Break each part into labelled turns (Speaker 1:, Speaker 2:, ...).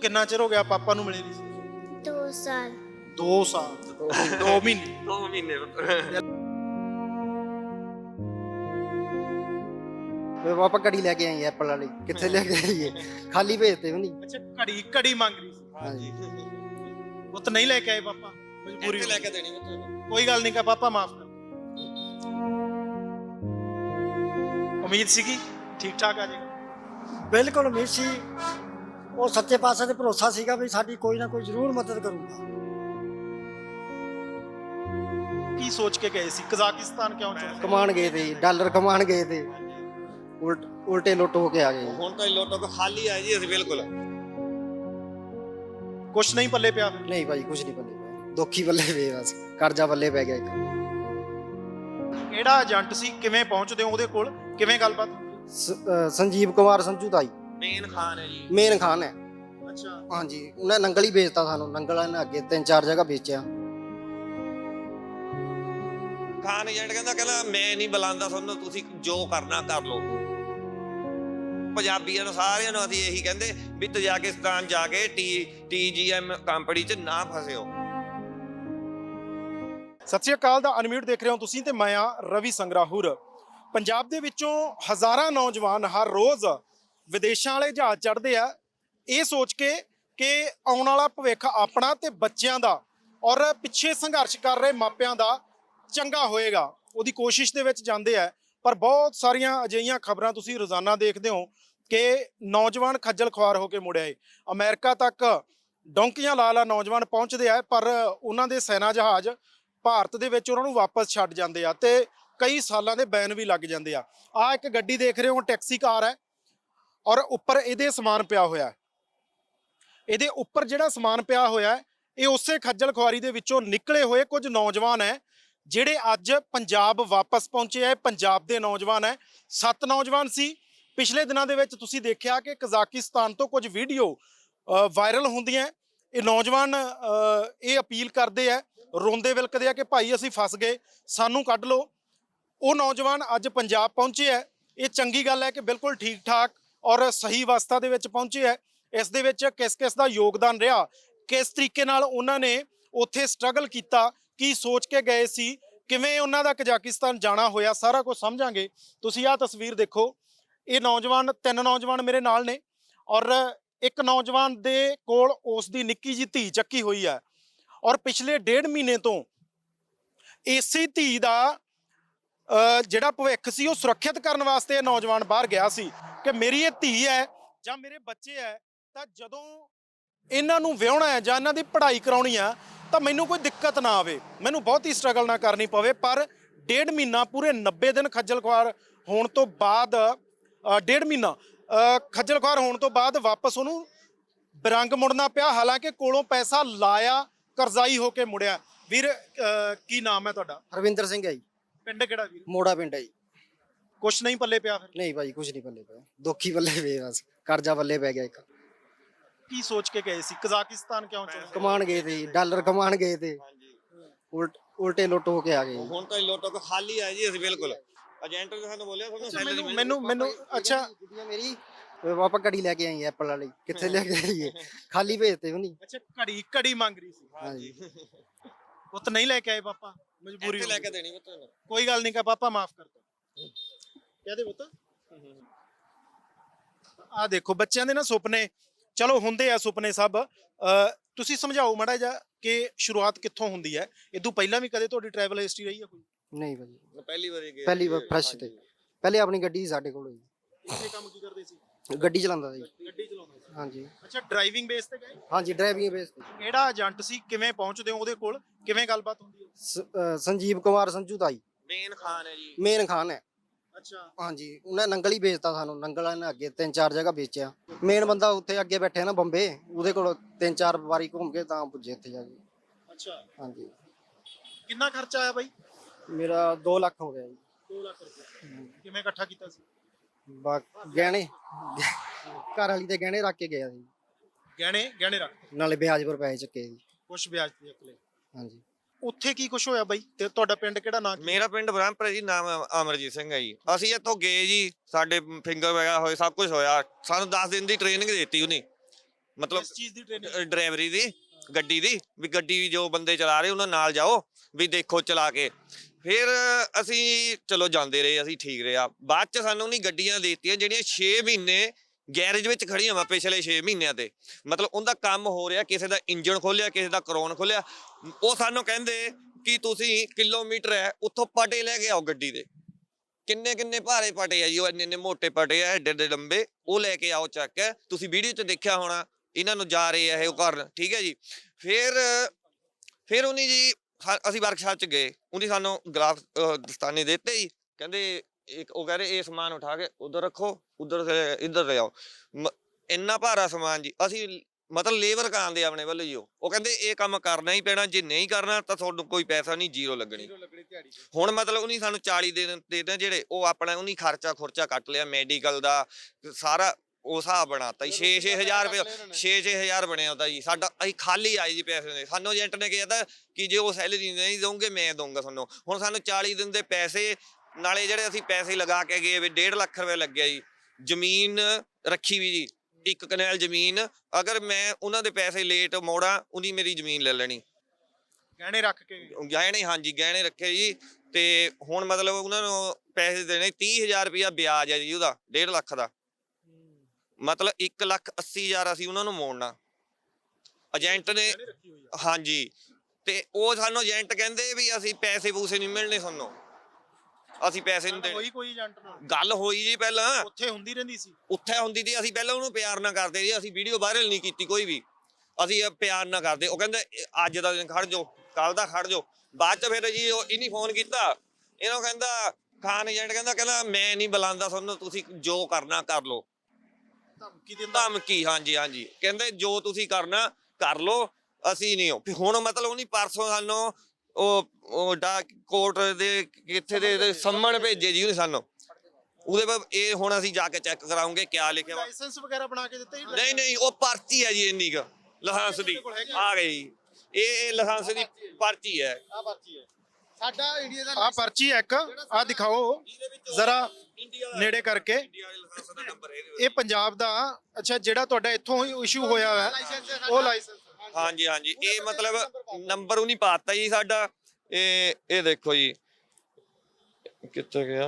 Speaker 1: ਕਿੰਨਾ ਚਿਰ ਹੋ ਗਿਆ ਪਾਪਾ ਨੂੰ ਮਿਲੇ ਨਹੀਂ ਸੀ?
Speaker 2: 2 ਸਾਲ
Speaker 1: 2 ਸਾਲ 2 ਮਹੀਨੇ
Speaker 3: 2 ਮਹੀਨੇ
Speaker 4: ਵੇ ਪਾਪਾ ਘੜੀ ਲੈ ਕੇ ਆਈ ਐਪਲ ਵਾਲੀ, ਕਿੱਥੇ ਲੈ ਕੇ ਆਈਏ, ਖਾਲੀ ਭੇਜਤੇ ਵੀ ਨਹੀਂ।
Speaker 1: ਅੱਛਾ ਘੜੀ ਮੰਗ ਰਹੀ ਸੀ।
Speaker 4: ਹਾਂਜੀ
Speaker 1: ਪੁੱਤ ਨਹੀਂ ਲੈ ਕੇ ਆਏ ਪਾਪਾ, ਮਜਬੂਰੀ
Speaker 3: ਇੱਥੇ ਲੈ ਕੇ ਦੇਣੀ ਪੁੱਤ।
Speaker 1: ਕੋਈ ਗੱਲ ਨਹੀਂ ਕਾ ਪਾਪਾ ਮਾਫ ਕਰ। ਉਮੀਦ ਸੀਗੀ ਠੀਕ ਠਾਕ ਆ ਜਾਏਗਾ।
Speaker 5: ਬਿਲਕੁਲ ਉਮੀਦ ਸੀ, ਉਹ ਸੱਚੇ ਪਾਤਸ਼ਾਹ ਤੇ ਭਰੋਸਾ ਸੀਗਾ ਵੀ ਸਾਡੀ ਕੋਈ ਨਾ ਕੋਈ ਜ਼ਰੂਰ ਮਦਦ ਕਰੂਗਾ।
Speaker 1: ਕੀ ਸੋਚ ਕੇ ਗਏ ਸੀ ਕਜ਼ਾਕਿਸਤਾਨ ਕਿਉਂ ਚੁਣੇ?
Speaker 4: ਕਮਾਣ ਗਏ ਤੇ ਡਾਲਰ ਕਮਾਣ ਗਏ ਤੇ ਉਲਟੇ ਲੁੱਟ ਹੋ ਕੇ ਆ ਗਏ।
Speaker 3: ਹੁਣ ਤਾਂ ਲੋਟੋ ਕੋ ਖਾਲੀ ਆਏ ਜੀ ਅਸੀਂ ਬਿਲਕੁਲ।
Speaker 1: ਕੁਛ ਨਹੀਂ ਪੱਲੇ ਪਿਆ ਫਿਰ?
Speaker 4: ਨਹੀਂ ਭਾਈ ਕੁਝ ਨਹੀਂ ਪੱਲੇ ਪਿਆ, ਦੁੱਖੀ ਪੱਲੇ ਪਏ, ਬਸ ਕਰਜ਼ਾ ਪੱਲੇ ਪੈ ਗਿਆ ਇੱਕ।
Speaker 1: ਕਿਹੜਾ ਏਜੰਟ ਸੀ, ਕਿਵੇਂ ਪਹੁੰਚਦੇ ਹੋ ਉਹਦੇ ਕੋਲ, ਕਿਵੇਂ ਗੱਲਬਾਤ?
Speaker 4: ਸੰਜੀਵ ਕੁਮਾਰ ਸੰਜੂ ਤਾਈ
Speaker 3: ਮੇਨ ਖਾਨ ਹੈ ਜੀ।
Speaker 4: ਮੇਨ ਖਾਨ ਹੈ।
Speaker 1: ਅੱਛਾ
Speaker 4: ਹਾਂਜੀ ਉਹਨੇ ਨੰਗਲ ਹੀ ਵੇਚਤਾ ਸਾਨੂੰ, ਨੰਗਲ ਨੇ ਅੱਗੇ 3-4 ਜਗ੍ਹਾ ਵੇਚਿਆ।
Speaker 3: ਖਾਨ ਏਜੰਟ ਕਹਿੰਦਾ ਮੈਂ ਨਹੀਂ ਬੁਲਾਉਂਦਾ ਤੁਹਾਨੂੰ, ਤੁਸੀਂ ਜੋ ਕਰਨਾ ਕਰ ਲਓ। ਪੰਜਾਬੀਆਂ ਨੂੰ ਸਾਰਿਆਂ ਨੂੰ ਅਸੀਂ ਇਹੀ ਕਹਿੰਦੇ ਵੀ ਤਜਾਕਿਸਤਾਨ ਜਾ ਕੇ TGM ਕੰਪਨੀ 'ਚ ਨਾ ਫਸਿਓ।
Speaker 1: ਸਤਿ ਸ਼੍ਰੀ ਅਕਾਲ ਦਾ ਅਨਮਿਊਟ ਦੇਖ ਰਹੇ ਹੋ ਤੁਸੀਂ ਤੇ ਮੈਂ ਆ ਰਵੀ ਸੰਗਰਾਹੁਰ। ਪੰਜਾਬ ਦੇ ਵਿੱਚੋਂ ਹਜ਼ਾਰਾਂ ਨੌਜਵਾਨ ਹਰ ਰੋਜ਼ ਵਿਦੇਸ਼ਾਂ ਵਾਲੇ ਜਹਾਜ਼ ਚੜ੍ਹਦੇ ਆ ਇਹ ਸੋਚ ਕੇ ਕਿ ਆਉਣ ਵਾਲਾ ਭਵਿੱਖ ਆਪਣਾ ਤੇ ਬੱਚਿਆਂ ਦਾ ਔਰ ਪਿੱਛੇ ਸੰਘਰਸ਼ ਕਰ ਰਹੇ ਮਾਪਿਆਂ ਦਾ ਚੰਗਾ ਹੋਏਗਾ, ਉਹਦੀ ਕੋਸ਼ਿਸ਼ ਦੇ ਵਿੱਚ ਜਾਂਦੇ ਆ। ਪਰ ਬਹੁਤ ਸਾਰੀਆਂ ਅਜਿਹੀਆਂ ਖਬਰਾਂ ਤੁਸੀਂ ਰੋਜ਼ਾਨਾ ਦੇਖਦੇ ਹੋ ਕਿ ਨੌਜਵਾਨ ਖੱਜਲ ਖੁਆਰ ਹੋ ਕੇ ਮੁੜਿਆ ਏ। ਅਮਰੀਕਾ ਤੱਕ ਡੌਂਕੀਆਂ ਲਾ ਨੌਜਵਾਨ ਪਹੁੰਚਦੇ ਆ, ਪਰ ਉਹਨਾਂ ਦੇ ਸੈਨਾ ਜਹਾਜ਼ ਭਾਰਤ ਦੇ ਵਿੱਚ ਉਹਨਾਂ ਨੂੰ ਵਾਪਸ ਛੱਡ ਜਾਂਦੇ ਆ ਤੇ ਕਈ ਸਾਲਾਂ ਦੇ ਬੈਨ ਵੀ ਲੱਗ ਜਾਂਦੇ ਆ। ਆਹ ਇੱਕ ਗੱਡੀ ਦੇਖ ਰਹੇ ਹੋ, ਟੈਕਸੀ ਕਾਰ ਹੈ ਔਰ ਉੱਪਰ ਇਹਦੇ ਸਮਾਨ ਪਿਆ ਹੋਇਆ। ਇਹਦੇ ਉੱਪਰ ਜਿਹੜਾ ਸਮਾਨ ਪਿਆ ਹੋਇਆ ਇਹ ਉਸੇ ਖੱਜਲ ਖੁਆਰੀ ਦੇ ਵਿੱਚੋਂ ਨਿਕਲੇ ਹੋਏ ਕੁਝ ਨੌਜਵਾਨ ਹੈ ਜਿਹੜੇ ਅੱਜ ਪੰਜਾਬ ਵਾਪਸ ਪਹੁੰਚੇ ਹੈ। ਪੰਜਾਬ ਦੇ ਨੌਜਵਾਨ ਹੈ, 7 ਨੌਜਵਾਨ ਸੀ। ਪਿਛਲੇ ਦਿਨਾਂ ਦੇ ਵਿੱਚ ਤੁਸੀਂ ਦੇਖਿਆ ਕਿ ਕਜ਼ਾਕਿਸਤਾਨ ਤੋਂ ਕੁਝ ਵੀਡੀਓ ਵਾਇਰਲ ਹੁੰਦੀਆਂ। ਇਹ ਨੌਜਵਾਨ ਇਹ ਅਪੀਲ ਕਰਦੇ ਆ, ਰੋਂਦੇ ਵਿਲਕਦੇ ਆ ਕਿ ਭਾਈ ਅਸੀਂ ਫਸ ਗਏ, ਸਾਨੂੰ ਕੱਢ ਲਓ। ਉਹ ਨੌਜਵਾਨ ਅੱਜ ਪੰਜਾਬ ਪਹੁੰਚੇ ਹੈ। ਇਹ ਚੰਗੀ ਗੱਲ ਹੈ ਕਿ ਬਿਲਕੁਲ ਠੀਕ ਠਾਕ ਔਰ ਸਹੀ ਅਵਸਥਾ ਦੇ ਵਿੱਚ ਪਹੁੰਚੇ ਹੈ। ਇਸ ਦੇ ਵਿੱਚ ਕਿਸ ਕਿਸ ਦਾ ਯੋਗਦਾਨ ਰਿਹਾ, ਕਿਸ ਤਰੀਕੇ ਨਾਲ ਉਹਨਾਂ ਨੇ ਉੱਥੇ ਸਟਰਗਲ ਕੀਤਾ, ਕੀ ਸੋਚ ਕੇ ਗਏ ਸੀ, ਕਿਵੇਂ ਉਹਨਾਂ ਦਾ ਕਜ਼ਾਕਿਸਤਾਨ ਜਾਣਾ ਹੋਇਆ, ਸਾਰਾ ਕੁਝ ਸਮਝਾਂਗੇ। ਤੁਸੀਂ ਆਹ ਤਸਵੀਰ ਦੇਖੋ, ਇਹ ਨੌਜਵਾਨ 3 ਨੌਜਵਾਨ ਮੇਰੇ ਨਾਲ ਨੇ ਔਰ ਇੱਕ ਨੌਜਵਾਨ ਦੇ ਕੋਲ ਉਸ ਦੀ ਨਿੱਕੀ ਜਿਹੀ ਧੀ ਚੱਕੀ ਹੋਈ ਹੈ ਔਰ ਪਿਛਲੇ 1.5 ਮਹੀਨੇ ਤੋਂ ਇਸੇ ਧੀ ਦਾ ਜਿਹੜਾ ਭਵਿੱਖ ਸੀ ਉਹ ਸੁਰੱਖਿਅਤ ਕਰਨ ਵਾਸਤੇ ਇਹ ਨੌਜਵਾਨ ਬਾਹਰ ਗਿਆ ਸੀ ਕਿ ਮੇਰੀ ਇਹ ਧੀ ਹੈ ਜਾਂ ਮੇਰੇ ਬੱਚੇ ਹੈ, ਤਾਂ ਜਦੋਂ ਇਹਨਾਂ ਨੂੰ ਵਿਆਹੁਣਾ ਹੈ ਜਾਂ ਇਹਨਾਂ ਦੀ ਪੜ੍ਹਾਈ ਕਰਾਉਣੀ ਆ ਤਾਂ ਮੈਨੂੰ ਕੋਈ ਦਿੱਕਤ ਨਾ ਆਵੇ, ਮੈਨੂੰ ਬਹੁਤੀ ਸਟਰਗਲ ਨਾ ਕਰਨੀ ਪਵੇ। ਪਰ 1.5 ਮਹੀਨਾ ਪੂਰੇ 90 ਦਿਨ ਖੱਜਲ ਖੁਆਰ ਹੋਣ ਤੋਂ ਬਾਅਦ 1.5 ਮਹੀਨਾ ਖੱਜਲ ਖੁਆਰ ਹੋਣ ਤੋਂ ਬਾਅਦ ਵਾਪਸ ਉਹਨੂੰ ਬਿਰੰਗ ਮੁੜਨਾ ਪਿਆ। ਹਾਲਾਂਕਿ ਕੋਲੋਂ ਪੈਸਾ ਲਾਇਆ, ਕਰਜ਼ਾਈ ਹੋ ਕੇ ਮੁੜਿਆ। ਵੀਰ ਕੀ ਨਾਮ ਹੈ ਤੁਹਾਡਾ?
Speaker 4: ਹਰਵਿੰਦਰ ਸਿੰਘ ਹੈ ਜੀ।
Speaker 1: ਪਿੰਡ ਕਿਹੜਾ ਵੀਰ?
Speaker 4: ਮੋੜਾ ਪਿੰਡ ਹੈ ਜੀ।
Speaker 1: ਕੁਛ ਨਹੀਂ ਪੱਲੇ ਪਿਆ ਫਿਰ?
Speaker 4: ਨਹੀਂ ਭਾਈ ਕੁਝ ਨਹੀਂ ਪੱਲੇ ਪਿਆ, ਦੁੱਖੀ ਪੱਲੇ ਪਏ, ਬਸ ਕਰਜ਼ਾ ਪੱਲੇ ਪੈ ਗਿਆ ਇੱਕ।
Speaker 1: ਕੀ ਸੋਚ ਕੇ ਗਏ ਸੀ ਕਜ਼ਾਕਿਸਤਾਨ ਕਿਉਂ ਚੁਣੇ?
Speaker 4: ਕਮਾਣ ਗਏ ਤੇ ਡਾਲਰ ਕਮਾਣ ਗਏ ਤੇ ਉਲਟੇ ਲੁੱਟ ਹੋ ਕੇ ਆ ਗਏ।
Speaker 3: ਹੁਣ ਤਾਂ ਲੋਟੋ ਕੋ ਖਾਲੀ ਆਏ ਜੀ ਅਸੀਂ ਬਿਲਕੁਲ। ਏਜੰਟ ਨੇ ਸਾਨੂੰ ਬੋਲਿਆ ਤੁਹਾਨੂੰ ਸੈਲਰੀ
Speaker 1: ਮੈਨੂੰ ਅੱਛਾ
Speaker 4: ਗੁੱਡੀਆਂ ਮੇਰੀ ਵੇ ਪਾਪਾ ਘੜੀ ਲੈ ਕੇ ਆਈ ਐਪਲ ਵਾਲੀ, ਕਿੱਥੇ ਲੈ ਕੇ ਆਈਏ, ਖਾਲੀ ਭੇਜਤੇ ਵੀ ਨਹੀਂ।
Speaker 1: ਅੱਛਾ ਘੜੀ ਮੰਗ ਰਹੀ ਸੀ।
Speaker 4: ਹਾਂਜੀ
Speaker 1: ਪੁੱਤ ਨਹੀਂ ਲੈ ਕੇ ਆਏ ਪਾਪਾ, ਮਜਬੂਰੀ
Speaker 3: ਇੱਥੇ ਲੈ ਕੇ ਦੇਣੀ ਪੁੱਤ।
Speaker 1: ਕੋਈ ਗੱਲ ਨਹੀਂ ਕਾ ਪਾਪਾ ਮਾਫ ਕਰ ਦੋ। ਕਹਦੇ ਪੁੱਤ ਆ ਦੇਖੋ ਬੱਚਿਆਂ ਦੇ ਨਾ ਸੁਪਨੇ, ਚਲੋ ਹੁੰਦੇ ਆ ਸੁਪਨੇ ਸਭ। ਤੁਸੀਂ ਸਮਝਾਓ ਮਾੜਾ ਜਿਹਾ ਕਿ ਸ਼ੁਰੂਆਤ ਕਿੱਥੋਂ ਹੁੰਦੀ ਹੈ? ਇਦੋਂ ਪਹਿਲਾਂ ਵੀ ਕਦੇ ਤੁਹਾਡੀ ਟਰੈਵਲ ਹਿਸਟਰੀ ਰਹੀ ਹੈ ਕੋਈ?
Speaker 4: ਨਹੀਂ ਭਾਜੀ
Speaker 3: ਪਹਿਲੀ ਵਾਰੀ ਗਏ,
Speaker 4: ਪਹਿਲੀ ਵਾਰ ਫਰੈਸ਼ ਤੇ ਪਹਿਲੇ ਆਪਣੀ ਗੱਡੀ ਸੀ ਸਾਡੇ ਕੋਲ ਜੀ।
Speaker 1: ਇੱਥੇ ਕੰਮ ਕੀ ਕਰਦੇ ਸੀ?
Speaker 4: ਗੱਡੀ ਚਲਾਉਂਦਾ ਸੀ।
Speaker 1: ਗੱਡੀ ਚਲਾਉਂਦੇ ਸੀ।
Speaker 4: ਹਾਂਜੀ
Speaker 1: ਅੱਛਾ ਡਰਾਈਵਿੰਗ ਬੇਸ ਤੇ ਗਏ?
Speaker 4: ਹਾਂਜੀ ਡਰਾਈਵਿੰਗ ਬੇਸ ਤੇ।
Speaker 1: ਕਿਹੜਾ ਏਜੰਟ ਸੀ, ਕਿਵੇਂ ਪਹੁੰਚਦੇ ਹੋ ਉਹਦੇ ਕੋਲ, ਕਿਵੇਂ ਗੱਲਬਾਤ ਹੁੰਦੀ ਹੈ?
Speaker 4: ਸੰਜੀਵ ਕੁਮਾਰ ਸੰਜੂ ਤਾਈ
Speaker 3: ਮੇਨ ਖਾਨ ਹੈ ਜੀ।
Speaker 4: ਮੇਨ ਖਾਨ ਹੈ।
Speaker 1: ਅੱਛਾ
Speaker 4: ਹਾਂਜੀ ਉਹਨੇ ਨੰਗਲ ਹੀ ਵੇਚਤਾ ਸਾਨੂੰ, ਨੰਗਲ ਨੇ ਅੱਗੇ 3-4 ਜਗ੍ਹਾ ਵੇਚਿਆ। ਮੇਨ ਬੰਦਾ ਉੱਥੇ ਅੱਗੇ ਬੈਠੇ ਨਾ ਬੰਬੇ, ਉਹਦੇ ਕੋਲ 3-4 ਵਾਰੀ ਘੁੰਮ ਕੇ ਤਾਂ ਪੁੱਜੇ ਇੱਥੇ ਜਾ ਕੇ।
Speaker 1: ਅੱਛਾ
Speaker 4: ਹਾਂਜੀ
Speaker 1: ਕਿੰਨਾ ਖਰਚਾ ਆਇਆ ਬਾਈ?
Speaker 4: ਮੇਰਾ 2 ਲੱਖ ਹੋ ਗਿਆ ਜੀ।
Speaker 1: 2 ਲੱਖ ਰੁਪਏ ਕਿਵੇਂ ਇਕੱਠਾ ਕੀਤਾ ਸੀ?
Speaker 4: ਗਹਿਣੇ ਘਰ ਵਾਲੀ ਤੇ ਗਹਿਣੇ ਰੱਖ ਕੇ ਗਿਆ ਸੀ,
Speaker 1: ਗਹਿਣੇ ਰੱਖ
Speaker 4: ਨਾਲੇ ਵਿਆਜ ਪਰ ਪੈਸੇ ਚੱਕੇ ਜੀ।
Speaker 1: ਕੁਛ ਵਿਆਜ ਤੇ ਅਕਲੇ।
Speaker 4: ਹਾਂਜੀ
Speaker 1: ਉੱਥੇ ਕੀ ਕੁਛ ਹੋਇਆ ਬਾਈ? ਤੇ ਤੁਹਾਡਾ ਪਿੰਡ ਕਿਹੜਾ ਨਾਂ?
Speaker 3: ਮੇਰਾ ਪਿੰਡ ਬ੍ਰਹਮਪੁਰ ਹੈ ਜੀ, ਨਾਮ ਅਮਰਜੀਤ ਸਿੰਘ ਹੈ ਜੀ। ਅਸੀਂ ਇੱਥੋਂ ਗਏ ਜੀ, ਸਾਡੇ ਫਿੰਗਰ ਵਗੈਰਾ ਹੋਏ, ਸਭ ਕੁਝ ਹੋਇਆ। ਸਾਨੂੰ 10 ਦਿਨ ਦੀ ਟ੍ਰੇਨਿੰਗ ਦਿੱਤੀ ਉਹਨੇ ਮਤਲਬ
Speaker 1: ਇਸ ਚੀਜ਼ ਦੀ ਟ੍ਰੇਨਿੰਗ
Speaker 3: ਡਰਾਈਵਰੀ ਦੀ, ਗੱਡੀ ਦੀ, ਵੀ ਗੱਡੀ ਜੋ ਬੰਦੇ ਚਲਾ ਰਹੇ ਉਹਨਾਂ ਨਾਲ ਜਾਓ ਵੀ ਦੇਖੋ ਚਲਾ ਕੇ। ਫਿਰ ਅਸੀਂ ਚਲੋ ਜਾਂਦੇ ਰਹੇ, ਅਸੀਂ ਠੀਕ ਰਿਹਾ। ਬਾਅਦ ਚ ਸਾਨੂੰ ਨਹੀਂ ਗੱਡੀਆਂ ਦੇ ਦਿੱਤੀਆਂ ਜਿਹੜੀਆਂ 6 ਮਹੀਨੇ ਗੈਰੇਜ ਵਿੱਚ ਖੜੀਆਂ ਵਾ ਪਿਛਲੇ 6 ਮਹੀਨਿਆਂ ਤੇ, ਮਤਲਬ ਉਹਦਾ ਕੰਮ ਹੋ ਰਿਹਾ, ਕਿਸੇ ਦਾ ਇੰਜਣ ਖੋਲਿਆ, ਕਿਸੇ ਦਾ ਕਰੋਨ ਖੋਲਿਆ। ਉਹ ਸਾਨੂੰ ਕਹਿੰਦੇ ਕਿ ਤੁਸੀਂ ਕਿਲੋਮੀਟਰ ਹੈ ਉੱਥੋਂ ਪਟੇ ਲੈ ਕੇ ਆਓ ਗੱਡੀ ਦੇ, ਕਿੰਨੇ ਕਿੰਨੇ ਭਾਰੇ ਪਟੇ ਆ ਜੀ, ਉਹ ਇੰਨੇ ਇੰਨੇ ਮੋਟੇ ਪਟੇ ਆ, ਏਡੇ ਏਡੇ ਲੰਬੇ, ਉਹ ਲੈ ਕੇ ਆਓ ਚੱਕ ਕੇ। ਤੁਸੀਂ ਵੀਡੀਓ 'ਚ ਦੇਖਿਆ ਹੋਣਾ ਇਹਨਾਂ ਨੂੰ ਜਾ ਰਹੇ ਆ ਇਹ ਕਰਨ, ਠੀਕ ਹੈ ਜੀ। ਫਿਰ ਉਹਨੇ ਜੀ ਅਸੀਂ ਵਰਕਸ਼ਾਪ 'ਚ ਗਏ, ਉਹਨੇ ਸਾਨੂੰ ਗਲਾਫ ਦਸਤਾਨੇ ਦਿੱਤੇ ਜੀ, ਕਹਿੰਦੇ ਇੱਕ ਉਹ ਕਹ ਰਹੇ ਇਹ ਸਮਾਨ ਉਠਾ ਕੇ ਉਧਰ ਰੱਖੋ, ਉਧਰ ਸੇ ਇੱਧਰ ਲੈ ਆਓ। ਇੰਨਾ ਭਾਰਾ ਸਮਾਨ ਜੀ, ਅਸੀਂ ਮਤਲਬ ਲੇਬਰ ਕਾਂਦੇ ਆਪਣੇ ਵੱਲੋਂ ਜੀ। ਉਹ ਕਹਿੰਦੇ ਇਹ ਕੰਮ ਕਰਨਾ ਹੀ ਪੈਣਾ, ਜੇ ਨਹੀਂ ਕਰਨਾ ਤਾਂ ਤੁਹਾਨੂੰ ਕੋਈ ਪੈਸਾ ਨਹੀਂ, ਜ਼ੀਰੋ ਲੱਗਣੀ। ਹੁਣ ਮਤਲਬ ਉਹਨੇ ਸਾਨੂੰ 40 ਦਿਨ ਦੇ ਦੇਣ ਜਿਹੜੇ, ਉਹ ਆਪਣਾ ਉਹਨੇ ਖਰਚਾ ਕੱਟ ਲਿਆ, ਮੈਡੀਕਲ ਦਾ ਸਾਰਾ ਉਹ ਹਿਸਾਬ ਬਣਾਤਾ ਜੀ। 6-6 ਹਜ਼ਾਰ ਰੁਪਏ 6-6 ਹਜ਼ਾਰ ਬਣਿਆ ਉਹਦਾ ਜੀ ਸਾਡਾ। ਅਸੀਂ ਖਾਲੀ ਆਏ ਜੀ ਪੈਸੇ ਦੇ, ਸਾਨੂੰ ਏਜੰਟ ਨੇ ਕਿਹਾ ਕਿ ਜੇ ਉਹ ਸੈਲਰੀ ਨਹੀਂ ਦੋਗੇ ਮੈਂ ਦਊਂਗਾ ਤੁਹਾਨੂੰ। ਹੁਣ ਸਾਨੂੰ 40 ਦਿਨ ਦੇ ਪੈਸੇ, ਨਾਲੇ ਜਿਹੜੇ ਅਸੀਂ ਪੈਸੇ ਲਗਾ ਕੇ ਗਏ ਵੀ 1.5 ਲੱਖ ਰੁਪਏ ਲੱਗਿਆ ਜੀ। ਜ਼ਮੀਨ ਰੱਖੀ ਵੀ ਜੀ, 1 ਕਨਾਲ ਜ਼ਮੀਨ, ਅਗਰ ਮੈਂ ਉਹਨਾਂ ਦੇ ਪੈਸੇ ਲੇਟ ਮੋੜਾਂ ਉਹਦੀ ਮੇਰੀ ਜ਼ਮੀਨ ਲੈ ਲੈਣੀ।
Speaker 1: ਗਹਿਣੇ ਰੱਖ ਕੇ
Speaker 3: ਗਹਿਣੇ, ਹਾਂਜੀ ਗਹਿਣੇ ਰੱਖੇ ਜੀ। ਤੇ ਹੁਣ ਮਤਲਬ ਉਹਨਾਂ ਨੂੰ ਪੈਸੇ ਦੇਣੇ 30,000 ਰੁਪਇਆ ਵਿਆਜ ਹੈ ਜੀ ਉਹਦਾ, 1.5 ਲੱਖ ਦਾ, ਮਤਲਬ 1,80,000 ਅਸੀਂ ਉਹਨਾਂ ਨੂੰ ਮੋੜਨਾ ਏਜੰਟ ਨੇ। ਹਾਂਜੀ, ਤੇ ਉਹ ਸਾਨੂੰ ਏਜੰਟ ਕਹਿੰਦੇ ਵੀ ਅਸੀਂ ਪੈਸੇ ਪੂਸੇ ਨਹੀਂ ਮਿਲਣੇ ਸਾਨੂੰ, ਅਸੀਂ ਪੈਸੇ ਨਹੀਂ ਦੇਣੇ।
Speaker 1: ਕੋਈ ਏਜੰਟ ਨਾਲ
Speaker 3: ਗੱਲ ਹੋਈ ਜੀ ਪਹਿਲਾਂ,
Speaker 1: ਉੱਥੇ ਹੁੰਦੀ ਰਹਿੰਦੀ ਸੀ,
Speaker 3: ਉੱਥੇ ਹੁੰਦੀ ਸੀ। ਅਸੀਂ ਪਹਿਲਾਂ ਉਹਨੂੰ ਪਿਆਰ ਨਾ ਕਰਦੇ ਜੀ, ਅਸੀਂ ਵੀਡੀਓ ਵਾਇਰਲ ਨਹੀਂ ਕੀਤੀ ਕੋਈ ਵੀ, ਅਸੀਂ ਪਿਆਰ ਨਾ ਕਰਦੇ। ਉਹ ਕਹਿੰਦੇ ਅੱਜ ਦਾ ਦਿਨ ਖੜ ਜਾਓ, ਕੱਲ ਦਾ ਖੜ ਜਾਓ। ਬਾਅਦ ਚ ਫਿਰ ਜੀ ਉਹ ਇਹਨੇ ਫੋਨ ਕੀਤਾ, ਇਹਨੂੰ ਕਹਿੰਦਾ ਖਾਨ ਏਜੰਟ ਕਹਿੰਦਾ ਮੈਂ ਨਹੀਂ ਬੁਲਾਉਂਦਾ ਤੁਹਾਨੂੰ, ਤੁਸੀਂ ਜੋ ਕਰਨਾ ਕਰ ਲਓ। ਧਮਕੀ, ਹਾਂਜੀ ਹਾਂਜੀ, ਕਹਿੰਦੇ ਜੋ ਤੁਸੀਂ ਕਰਨਾ ਕਰ ਲਓ, ਅਸੀਂ ਨਹੀਂ। ਹੁਣ ਮਤਲਬ ਉਹਨੇ ਪਰਸੋਂ ਸਾਨੂੰ ਉਹ ਕੋਰਟ ਦੇ ਕਿੱਥੇ ਦੇ ਸੰਮਣ ਭੇਜੇ ਜੀ ਉਹਨੇ ਸਾਨੂੰ, ਉਹਦੇ ਬਾਅਦ ਇਹ ਹੁਣ ਅਸੀਂ ਜਾ ਕੇ ਚੈੱਕ ਕਰਾਉਂਗੇ ਕਿਆ ਲਿਖਿਆ ਵਾ।
Speaker 1: ਲਾਇਸੈਂਸ ਵਗੈਰਾ ਬਣਾ ਕੇ ਦਿੱਤੇ?
Speaker 3: ਨਹੀਂ, ਉਹ ਪਰਚੀ ਹੈ ਜੀ ਇੰਨੀ ਕੁ ਲਾਇਸੈਂਸ ਦੀ ਆ ਗਈ। ਇਹ ਲਾਇਸੈਂਸ ਦੀ ਪਰਚੀ ਹੈ।
Speaker 1: ਆ ਪਰਚੀ ਹੈ ਸਾਡਾ ਇੰਡੀਆ ਦਾ, ਆ ਪਰਚੀ ਹੈ ਇੱਕ, ਆ ਦਿਖਾਓ ਜ਼ਰਾ ਨੇੜੇ ਕਰਕੇ। ਇਹ ਪੰਜਾਬ ਦਾ, ਅੱਛਾ ਜਿਹੜਾ ਤੁਹਾਡਾ ਇੱਥੋਂ ਇਸ਼ੂ ਹੋਇਆ ਹੈ ਉਹ ਲਾਇਸੈਂਸ?
Speaker 3: ਹਾਂਜੀ ਹਾਂਜੀ, ਇਹ ਮਤਲਬ ਨੰਬਰ ਉਹ ਨਹੀਂ ਪਾਤਾ ਜੀ ਸਾਡਾ। ਇਹ ਦੇਖੋ ਜੀ ਕਿੱਥੇ ਗਿਆ,